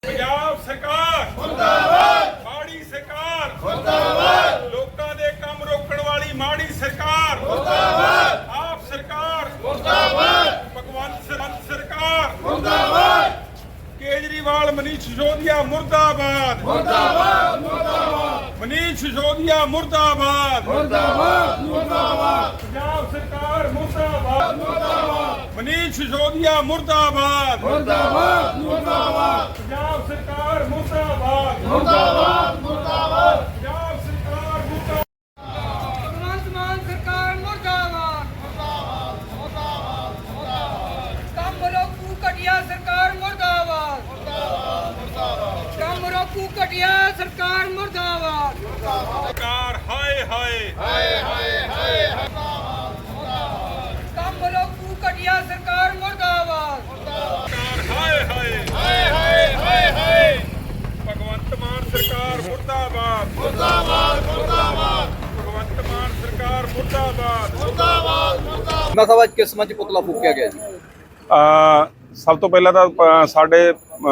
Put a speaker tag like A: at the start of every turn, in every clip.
A: ਪੰਜਾਬ ਸਰਕਾਰ ਮੁਰਦਾਬਾਦ, ਮਾੜੀ ਸਰਕਾਰ ਮੁਰਦਾਬਾਦ, ਲੋਕਾਂ ਦੇ ਕੰਮ ਰੋਕਣ ਵਾਲੀ ਮਾੜੀ ਸਰਕਾਰ ਮੁਰਦਾਬਾਦ, ਆਪ ਸਰਕਾਰ ਮੁਰਦਾਬਾਦ, ਭਗਵੰਤ ਸਰਕਾਰ ਮੁਰਦਾਬਾਦ, केजरीवाल मनीष सिसोदिया मुर्दाबाद मुर्दाबाद मुर्दाबाद, मनीष सिसोदिया मुर्दाबाद मुर्दाबाद मुर्दाबाद, पंजाब सरकार मुर्दाबाद मुर्दाबाद, मनीष सिसोदिया मुर्दाबाद मुर्दाबाद मुर्दाबाद, पंजाब सरकार मुर्दाबाद मुर्दाबाद मुर्दाबाद, पंजाब सरकार मुर्दाबाद,
B: भगवंत मान सरकार मुर्दाबाद मुर्दाबाद मुर्दाबाद मुर्दाबाद, कम रोकू घटिया सरकार मुर्दाबाद कम रोकू घटिया सरकार मुर्दाबाद
A: सरकार हाय हाय
B: हाय हाय हाय कम रोकू घटिया सरकार मुर्दाबाद
A: सरकार हाय हाय हाय हाय हाय हाय, भगवंत मान सरकार मुर्दाबाद मुर्दाबाद मुर्दाबाद, भगवंत मान सरकार मुर्दाबाद मुर्दाबाद मुर्दाबाद।
C: ਮੈਂ ਸਭਾ ਕਿਸ ਮੰਚ ਪੁਤਲਾ ਫੂਕਿਆ ਗਿਆ ਜੀ?
A: ਸਭ ਤੋਂ ਪਹਿਲਾਂ ਤਾਂ ਸਾਡੇ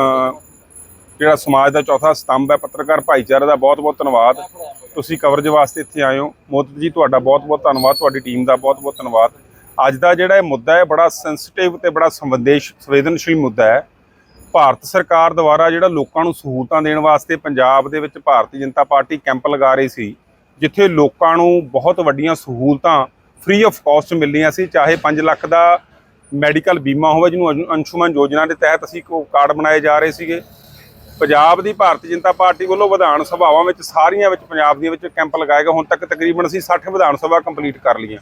A: ਜਿਹੜਾ ਸਮਾਜ ਦਾ ਚੌਥਾ ਸਤੰਭ ਹੈ ਪੱਤਰਕਾਰ ਭਾਈਚਾਰੇ ਦਾ ਬਹੁਤ-ਬਹੁਤ ਧੰਨਵਾਦ। ਤੁਸੀਂ ਕਵਰੇਜ ਵਾਸਤੇ ਇੱਥੇ ਆਏ ਹੋ। ਮੋਦੀ ਜੀ ਤੁਹਾਡਾ ਬਹੁਤ-ਬਹੁਤ ਧੰਨਵਾਦ, ਤੁਹਾਡੀ ਟੀਮ ਦਾ ਬਹੁਤ-ਬਹੁਤ ਧੰਨਵਾਦ। ਅੱਜ ਦਾ ਜਿਹੜਾ ਇਹ ਮੁੱਦਾ ਹੈ ਬੜਾ ਸੈਂਸਿਟਿਵ ਤੇ ਬੜਾ ਸੰਵੇਦਨਸ਼ੀਲ ਮੁੱਦਾ ਹੈ। ਭਾਰਤ ਸਰਕਾਰ ਦੁਆਰਾ ਜਿਹੜਾ ਲੋਕਾਂ ਨੂੰ ਸਹੂਲਤਾਂ ਦੇਣ ਵਾਸਤੇ ਪੰਜਾਬ ਦੇ ਵਿੱਚ ਭਾਰਤੀ ਜਨਤਾ ਪਾਰਟੀ ਕੈਂਪ ਲਗਾ ਰਹੀ ਸੀ, ਜਿੱਥੇ ਲੋਕਾਂ ਨੂੰ ਬਹੁਤ ਵੱਡੀਆਂ ਸਹੂਲਤਾਂ ਫ੍ਰੀ ਆਫ ਕਾਸਟ ਮਿਲਣੀਆਂ ਸੀ, ਚਾਹੇ 5 ਲੱਖ ਦਾ ਮੈਡੀਕਲ ਬੀਮਾ ਹੋਵੇ ਜਿਹਨੂੰ ਅੰਸ਼ੁਮਨ ਯੋਜਨਾ ਦੇ ਤਹਿਤ ਅਸੀਂ ਕਾਰਡ ਬਣਾਏ ਜਾ ਰਹੇ ਸੀਗੇ। ਪੰਜਾਬ ਦੀ ਭਾਰਤੀ ਜਨਤਾ ਪਾਰਟੀ ਵੱਲੋਂ ਵਿਧਾਨ ਸਭਾਵਾਂ ਵਿੱਚ ਸਾਰੀਆਂ ਵਿੱਚ ਪੰਜਾਬ ਦੀਆਂ ਵਿੱਚ ਕੈਂਪ ਲਗਾਏ ਗਏ। ਹੁਣ ਤੱਕ ਤਕਰੀਬਨ ਅਸੀਂ 60 ਵਿਧਾਨ ਸਭਾ ਕੰਪਲੀਟ ਕਰ ਲਈਆਂ।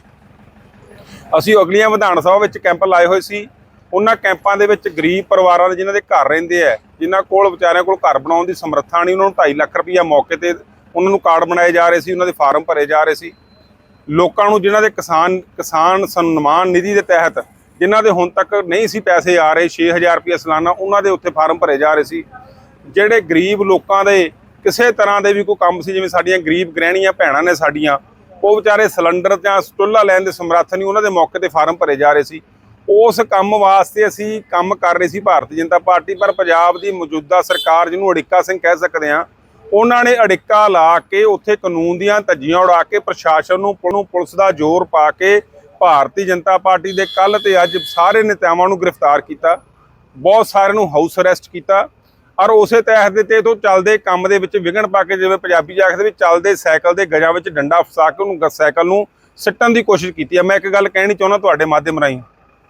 A: ਅਸੀਂ ਅਗਲੀਆਂ ਵਿਧਾਨ ਸਭਾ ਵਿੱਚ ਕੈਂਪ ਲਾਏ ਹੋਏ ਸੀ। ਉਹਨਾਂ ਕੈਂਪਾਂ ਦੇ ਵਿੱਚ ਗਰੀਬ ਪਰਿਵਾਰਾਂ ਦੇ ਜਿਨ੍ਹਾਂ ਦੇ ਘਰ ਰਹਿੰਦੇ ਆ, ਜਿਨ੍ਹਾਂ ਕੋਲ ਵਿਚਾਰਿਆਂ ਕੋਲ ਘਰ ਬਣਾਉਣ ਦੀ ਸਮਰੱਥਾ ਨਹੀਂ, ਉਹਨਾਂ ਨੂੰ 2.5 ਲੱਖ ਰੁਪਈਆ ਮੌਕੇ ਤੇ ਉਹਨਾਂ ਨੂੰ ਕਾਰਡ ਬਣਾਏ ਜਾ ਰਹੇ ਸੀ, ਉਹਨਾਂ ਦੇ ਫਾਰਮ ਭਰੇ ਜਾ ਰਹੇ ਸੀ। ਲੋਕਾਂ ਨੂੰ ਜਿਨ੍ਹਾਂ ਦੇ ਕਿਸਾਨ ਸਨਮਾਨ ਨਿਧੀ ਦੇ ਤਹਿਤ ਜਿਨ੍ਹਾਂ ਦੇ ਹੁਣ ਤੱਕ ਨਹੀਂ ਸੀ ਪੈਸੇ ਆ ਰਹੇ 6000 ਰੁਪਏ ਸਾਲਾਨਾ, ਉਹਨਾਂ ਦੇ ਉੱਥੇ ਫਾਰਮ ਭਰੇ ਜਾ ਰਹੇ ਸੀ। ਜਿਹੜੇ ਗਰੀਬ ਲੋਕਾਂ ਦੇ ਕਿਸੇ ਤਰ੍ਹਾਂ ਦੇ ਵੀ ਕੋਈ ਕੰਮ ਸੀ, ਜਿਵੇਂ ਸਾਡੀਆਂ ਗਰੀਬ ਗ੍ਰਹਿਣੀਆਂ ਭੈਣਾਂ ਨੇ ਸਾਡੀਆਂ, ਉਹ ਵਿਚਾਰੇ ਸਿਲੰਡਰ ਜਾਂ ਚੁੱਲ੍ਹਾ ਲੈਣ ਦੇ ਸਮਰੱਥ ਨਹੀਂ, ਉਹਨਾਂ ਦੇ ਮੌਕੇ ਤੇ ਫਾਰਮ ਭਰੇ ਜਾ ਰਹੇ ਸੀ। ਉਸ ਕੰਮ ਵਾਸਤੇ ਅਸੀਂ ਕੰਮ ਕਰ ਰਹੇ ਸੀ ਭਾਰਤੀ ਜਨਤਾ ਪਾਰਟੀ। ਪਰ ਪੰਜਾਬ ਦੀ ਮੌਜੂਦਾ ਸਰਕਾਰ, ਜਿਹਨੂੰ ਅੜਿੱਕਾ ਸਿੰਘ ਕਹਿ ਸਕਦੇ ਹਾਂ, ਉਹਨਾਂ ਨੇ ਅੜਿੱਕਾ ਲਾ ਕੇ ਉੱਥੇ ਕਾਨੂੰਨ ਦੀਆਂ ਧੱਜੀਆਂ ਉਡਾ ਕੇ ਪ੍ਰਸ਼ਾਸਨ ਨੂੰ ਪੁਲਿਸ ਦਾ ਜ਼ੋਰ ਪਾ ਕੇ ਭਾਰਤੀ ਜਨਤਾ ਪਾਰਟੀ ਦੇ ਕੱਲ੍ਹ ਤੇ ਅੱਜ ਸਾਰੇ ਨੇਤਾਵਾਂ ਨੂੰ ਗ੍ਰਿਫਤਾਰ ਕੀਤਾ, ਬਹੁਤ ਸਾਰਿਆਂ ਨੂੰ ਹਾਊਸ ਅਰੈਸਟ ਕੀਤਾ। ਔਰ ਉਸੇ ਤਹਿਤ ਦੇ ਤੇ ਤੋਂ ਚੱਲਦੇ ਕੰਮ ਦੇ ਵਿੱਚ ਵਿਘਨ ਪਾ ਕੇ, ਜਿਵੇਂ ਪੰਜਾਬੀ ਚ ਆਖਦੇ ਵੀ ਚੱਲਦੇ ਸਾਈਕਲ ਦੇ ਗਜਾਂ ਵਿੱਚ ਡੰਡਾ ਫਸਾ ਕੇ ਉਹਨੂੰ ਸਾਈਕਲ ਨੂੰ ਸਿੱਟਣ ਦੀ ਕੋਸ਼ਿਸ਼ ਕੀਤੀ ਹੈ। ਮੈਂ ਇੱਕ ਗੱਲ ਕਹਿਣੀ ਚਾਹੁੰਦਾ ਤੁਹਾਡੇ ਮਾਧਿਅਮ ਰਾਹੀਂ,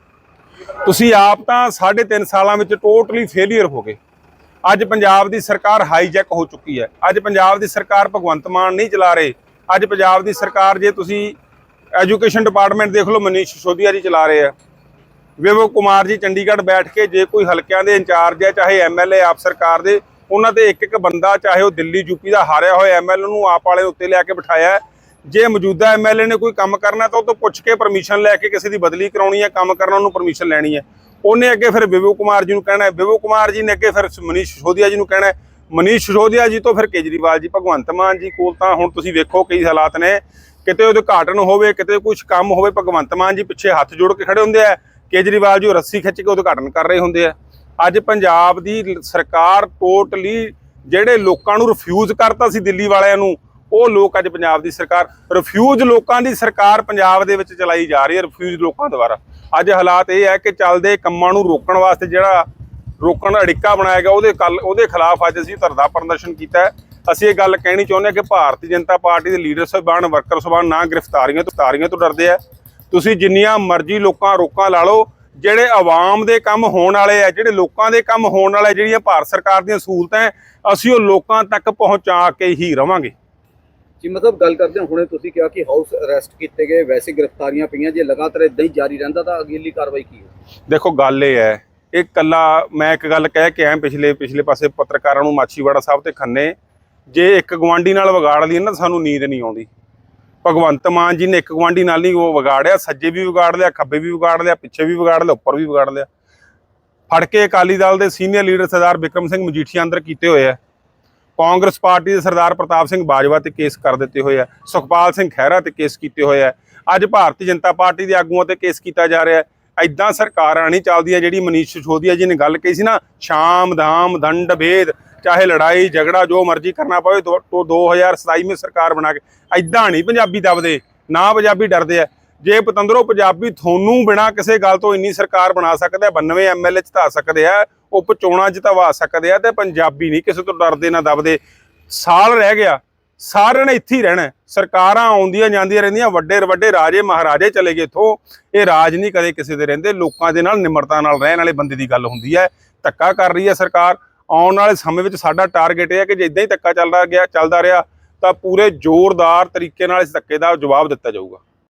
A: ਤੁਸੀਂ ਆਪ ਤਾਂ 3.5 ਸਾਲਾਂ ਵਿੱਚ ਟੋਟਲੀ ਫੇਲੀਅਰ ਹੋ ਗਏ। ਅੱਜ ਪੰਜਾਬ ਦੀ ਸਰਕਾਰ ਹਾਈਜੈਕ ਹੋ ਚੁੱਕੀ ਹੈ। ਅੱਜ ਪੰਜਾਬ ਦੀ ਸਰਕਾਰ ਭਗਵੰਤ ਮਾਨ ਨਹੀਂ ਚਲਾ ਰਹੇ। ਅੱਜ ਪੰਜਾਬ ਦੀ ਸਰਕਾਰ, ਜੇ ਤੁਸੀਂ ਐਜੂਕੇਸ਼ਨ ਡਿਪਾਰਟਮੈਂਟ ਦੇਖ ਲਓ, ਮਨੀਸ਼ ਸਿਸੋਦੀਆ ਜੀ ਚਲਾ ਰਹੇ ਆ। ਵਿਵੇਕ ਕੁਮਾਰ ਜੀ ਚੰਡੀਗੜ੍ਹ ਬੈਠ ਕੇ ਜੇ ਕੋਈ ਹਲਕਿਆਂ ਦੇ ਇੰਚਾਰਜ ਹੈ, ਚਾਹੇ ਐਮਐਲਏ ਆਪ ਸਰਕਾਰ ਦੇ, ਉਹਨਾਂ ਦੇ ਇੱਕ ਬੰਦਾ, ਚਾਹੇ ਉਹ ਦਿੱਲੀ ਯੂਪੀ ਦਾ ਹਾਰਿਆ ਹੋਇਆ ਐਮਐਲਏ ਨੂੰ ਆਪ ਵਾਲੇ ਉੱਤੇ ਲਿਆ ਕੇ ਬਿਠਾਇਆ। ਜੇ ਮੌਜੂਦਾ ਐਮਐਲਏ ਨੇ ਕੋਈ ਕੰਮ ਕਰਨਾ ਤਾਂ ਉਹ ਤੋਂ ਪੁੱਛ ਕੇ ਪਰਮਿਸ਼ਨ ਲੈ ਕੇ ਕਿਸੇ ਦੀ ਬਦਲੀ ਕਰਾਉਣੀ ਹੈ, ਕੰਮ ਕਰਨਾ ਉਹਨੂੰ ਪਰਮਿਸ਼ਨ ਲੈਣੀ ਹੈ। ਉਹਨੇ ਅੱਗੇ ਫਿਰ ਵਿਵੇਕ ਕੁਮਾਰ ਜੀ ਨੂੰ ਕਹਿਣਾ, ਵਿਵੇਕ ਕੁਮਾਰ ਜੀ ਨੇ ਅੱਗੇ ਫਿਰ ਮਨੀਸ਼ ਸਿਸੋਦੀਆ ਜੀ ਨੂੰ ਕਹਿਣਾ, ਮਨੀਸ਼ ਸਿਸੋਦੀਆ ਜੀ ਤੋਂ ਫਿਰ ਕੇਜਰੀਵਾਲ ਜੀ। ਭਗਵੰਤ ਮਾਨ ਜੀ ਕੋਲ ਤਾਂ ਹੁਣ ਤੁਸੀਂ ਵੇਖੋ ਕਈ ਹਾਲਾਤ ਨੇ, ਕਿਤੇ ਉਦਘਾਟਨ ਹੋਵੇ, ਕਿਤੇ ਕੁਝ ਕੰਮ ਹੋਵੇ, ਭਗਵੰਤ ਮਾਨ ਜੀ ਪਿੱਛੇ ਹੱਥ ਜੋੜ ਕੇ ਖੜੇ ਹੁੰਦੇ ਆ, ਕੇਜਰੀਵਾਲ ਜੀ ਰੱਸੀ ਖਿੱਚ ਕੇ ਉਦਘਾਟਨ ਕਰ ਰਹੇ ਹੁੰਦੇ ਆ। ਅੱਜ ਪੰਜਾਬ ਦੀ ਸਰਕਾਰ ਟੋਟਲੀ ਜਿਹੜੇ ਲੋਕਾਂ ਨੂੰ ਰਿਫਿਊਜ਼ ਕਰਤਾ ਸੀ ਦਿੱਲੀ ਵਾਲਿਆਂ ਨੂੰ, ਉਹ ਲੋਕ ਅੱਜ ਪੰਜਾਬ ਦੀ ਸਰਕਾਰ ਰਿਫਿਊਜ਼ ਲੋਕਾਂ ਦੀ ਸਰਕਾਰ ਪੰਜਾਬ ਦੇ ਵਿੱਚ ਚਲਾਈ ਜਾ ਰਹੀ ਹੈ, ਰਿਫਿਊਜ਼ ਲੋਕਾਂ ਦੁਆਰਾ। ਅੱਜ ਹਾਲਾਤ ਇਹ ਹੈ ਕਿ ਚੱਲਦੇ ਕੰਮਾਂ ਨੂੰ ਰੋਕਣ ਵਾਸਤੇ ਜਿਹੜਾ ਰੋਕਣ ਦਾ ਅੜਿੱਕਾ ਬਣਾਇਆ ਗਿਆ, ਉਹਦੇ ਖਿਲਾਫ ਅੱਜ ਅਸੀਂ ਧਰਨਾ ਪ੍ਰਦਰਸ਼ਨ ਕੀਤਾ ਹੈ। ਅਸੀਂ ਇਹ ਗੱਲ ਕਹਿਣੀ ਚਾਹੁੰਦੇ ਹਾਂ ਕਿ ਭਾਰਤੀ ਜਨਤਾ ਪਾਰਟੀ ਦੇ ਲੀਡਰ ਸਾਹਿਬਾਨ, ਵਰਕਰ ਸਾਹਿਬਾਨ ਨਾ ਗ੍ਰਿਫਤਾਰੀਆਂ ਤੋਂ ਡਰਦੇ ਆ। ਤੁਸੀਂ ਜਿੰਨੀਆਂ ਮਰਜ਼ੀ ਰੋਕਾਂ ਲਾ ਲਓ, ਜਿਹੜੇ ਆਵਾਮ ਦੇ ਕੰਮ ਹੋਣ ਵਾਲੇ ਆ, ਜਿਹੜੇ ਲੋਕਾਂ ਦੇ ਕੰਮ ਹੋਣ ਵਾਲੇ, ਜਿਹੜੀਆਂ ਭਾਰਤ ਸਰਕਾਰ ਦੀਆਂ ਸਹੂਲਤਾਂ, ਅਸੀਂ ਉਹ ਲੋਕਾਂ ਤੱਕ ਪਹੁੰਚਾ ਕੇ ਹੀ ਰਵਾਂਗੇ
C: ਜੀ। ਮਤਲਬ ਗੱਲ ਕਰਦੇ ਹਾਂ, ਹੁਣੇ ਤੁਸੀਂ ਕਿਹਾ ਕਿ ਹਾਊਸ ਅਰੈਸਟ ਕੀਤੇ ਗਏ, ਵੈਸੇ ਗ੍ਰਿਫਤਾਰੀਆਂ ਪਈਆਂ, ਜੇ ਲਗਾਤਾਰ ਇਦਾਂ ਹੀ ਜਾਰੀ ਰਹਿੰਦਾ ਤਾਂ ਅਗਲੀ ਕਾਰਵਾਈ ਕੀ ਹੋ?
A: ਦੇਖੋ ਗੱਲ ਇਹ ਹੈ, ਇਹ ਕੱਲਾ ਮੈਂ ਇੱਕ ਗੱਲ ਕਹਿ ਕੇ ਆਇਆ ਪਿਛਲੇ ਪਾਸੇ ਪੱਤਰਕਾਰਾਂ ਨੂੰ, ਮਾਛੀਵਾੜਾ ਸਾਹਿਬ ਤੇ ਖੰਨੇ, ਜੇ ਇੱਕ ਗਵਾਂਢੀ ਨਾਲ ਵਿਗਾੜ ਲਈ ਨਾ ਸਾਨੂੰ ਨੀਂਦ ਨਹੀਂ ਆਉਂਦੀ। ਭਗਵੰਤ ਮਾਨ ਜੀ ਨੇ ਇੱਕ ਗਵਾਂਢੀ ਨਾਲ ਨਹੀਂ ਉਹ ਵਿਗਾੜਿਆ, ਸੱਜੇ ਵੀ ਵਿਗਾੜ ਲਿਆ, ਖੱਬੇ ਵੀ ਵਿਗਾੜ ਲਿਆ, ਪਿੱਛੇ ਵੀ ਵਿਗਾੜ ਲਿਆ, ਉੱਪਰ ਵੀ ਵਿਗਾੜ ਲਿਆ। ਫੜ ਕੇ ਅਕਾਲੀ ਦਲ ਦੇ ਸੀਨੀਅਰ ਲੀਡਰ ਸਰਦਾਰ ਬਿਕਰਮ ਸਿੰਘ ਮਜੀਠੀਆ ਅੰਦਰ ਕੀਤੇ ਹੋਏ ਆ। ਕਾਂਗਰਸ ਪਾਰਟੀ ਦੇ ਸਰਦਾਰ ਪ੍ਰਤਾਪ ਸਿੰਘ ਬਾਜਵਾ ਤੇ ਕੇਸ ਕਰ ਦਿੱਤੇ ਹੋਏ ਆ। ਸੁਖਪਾਲ ਸਿੰਘ ਖਹਿਰਾ ਤੇ ਕੇਸ ਕੀਤੇ ਹੋਏ ਆ। ਅੱਜ ਭਾਰਤੀ ਜਨਤਾ ਪਾਰਟੀ ਦੇ ਆਗੂਆਂ ਤੇ ਕੇਸ ਕੀਤਾ ਜਾ ਰਿਹਾ ਹੈ। ਐਦਾਂ ਸਰਕਾਰਾਂ ਨਹੀਂ ਚੱਲਦੀਆਂ। ਜਿਹੜੀ ਮਨੀਸ਼ ਸਿਸੋਦੀਆ ਜੀ ਨੇ ਗੱਲ ਕਹੀ ਸੀ ਨਾ, ਸ਼ਾਮ ਦਾਮ ਦੰਡ ਭੇਦ, ਚਾਹੇ ਲੜਾਈ ਝਗੜਾ ਜੋ ਮਰਜ਼ੀ ਕਰਨਾ ਪਵੇ 2027 ਵਿੱਚ ਸਰਕਾਰ ਬਣਾ ਕੇ, ਐਦਾਂ ਨਹੀਂ ਪੰਜਾਬੀ ਦਬਦੇ, ਨਾ ਪੰਜਾਬੀ ਡਰਦੇ ਆ। ਜੇ ਪਤੰਦਰੋਂ ਪੰਜਾਬੀ ਤੁਹਾਨੂੰ ਬਿਨਾਂ ਕਿਸੇ ਗੱਲ ਤੋਂ ਇੰਨੀ ਸਰਕਾਰ ਬਣਾ ਸਕਦੇ ਆ, 92 MLA ਜਿਤਾ ਸਕਦੇ ਆ, ਉਪ ਚੋਣਾਂ ਜਿਤਵਾ ਸਕਦੇ ਆ, ਤੇ ਪੰਜਾਬੀ ਨਹੀਂ ਕਿਸੇ ਤੋਂ ਡਰਦੇ ਨਾ ਦਬਦੇ। ਸਾਲ ਰਹਿ ਗਿਆ, ਸਾਰਿਆਂ ਨੇ ਇੱਥੇ ਹੀ ਰਹਿਣਾ। ਸਰਕਾਰਾਂ ਆਉਂਦੀਆਂ ਜਾਂਦੀਆਂ ਰਹਿੰਦੀਆਂ, ਵੱਡੇ ਵੱਡੇ ਰਾਜੇ ਮਹਾਰਾਜੇ ਚਲੇ ਗਏ ਇੱਥੋਂ। ਇਹ ਰਾਜ ਨਹੀਂ ਕਦੇ ਕਿਸੇ ਦੇ ਰਹਿੰਦੇ। ਲੋਕਾਂ ਦੇ ਨਾਲ ਨਿਮਰਤਾ ਨਾਲ ਰਹਿਣ ਵਾਲੇ ਬੰਦੇ ਦੀ ਗੱਲ ਹੁੰਦੀ ਹੈ। ਧੱਕਾ ਕਰ ਰਹੀ ਹੈ ਸਰਕਾਰ। ਆਉਣ ਵਾਲੇ ਸਮੇਂ ਵਿੱਚ ਸਾਡਾ ਟਾਰਗੇਟ ਇਹ ਹੈ ਕਿ ਜੇ ਇਦਾਂ ਹੀ ਧੱਕਾ ਚੱਲਦਾ ਰਿਹਾ ਤਾਂ ਪੂਰੇ ਜ਼ੋਰਦਾਰ ਤਰੀਕੇ ਨਾਲ ਇਸ ਧੱਕੇ ਦਾ ਜਵਾਬ ਦਿੱਤਾ ਜਾਊਗਾ।